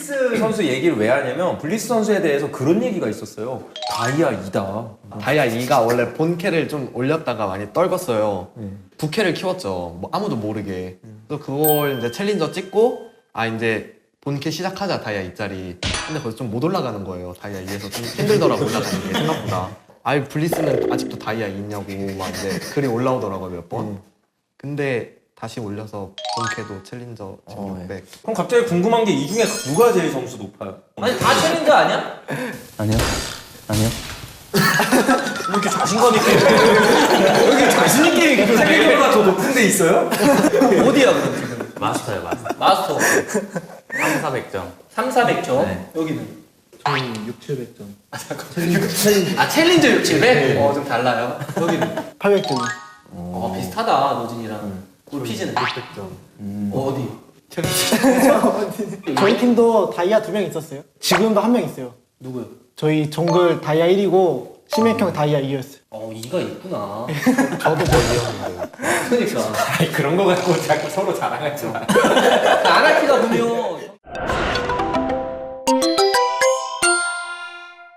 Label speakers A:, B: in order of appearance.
A: 블리스 선수 얘기를 왜 하냐면 블리스 선수에 대해서 그런 얘기가 있었어요. 다이아 2다.
B: 다이아 2가 원래 본캐를 좀 올렸다가 많이 떨궜어요. 부캐를 키웠죠. 뭐 아무도 모르게. 그래서 그걸 이제 챌린저 찍고 이제 본캐 시작하자 다이아 2짜리. 근데 거기서 좀 못 올라가는 거예요. 다이아 2에서 좀 힘들더라고 올라가는 게 생각보다. 블리스는 아직도 다이아 2 있냐고 막 이제 글이 올라오더라고요 몇 번. 근데 다시 올려서 본캐도 챌린저 지금 600.
A: 그럼 갑자기 궁금한 게 이 중에 누가 제일 점수 높아요?
C: 아니 다 챌린저 아니야?
D: 아니요. 아니요.
A: 왜 이렇게 자신감 있게 왜 이렇게 자신 있게 얘기해? 챌린저보다 더 높은 데 있어요?
C: 어디야 그럼 지금?
D: 마스터요, 마스터.
C: 마스터
D: 3, 400점.
C: 3, 400점.
D: 네.
C: 여기는?
E: 저희 6, 700점.
C: 챌린저 6, 700? 좀 달라요. 여기는?
E: 800점.
C: 비슷하다 노진이랑. 우리 피지는?
E: 600점.
C: 어디?
E: 저희 팀도 다이아 2명 있었어요. 지금도 1명 있어요.
C: 누구요?
E: 저희 정글 다이아 1이고 심해형 다이아 2였어요.
C: 2가 있구나.
E: 저도 거의였는데.
C: 그러니까.
A: 아니 그런 거 갖고 자꾸 서로 자랑하지 마.
C: 아나키가 보면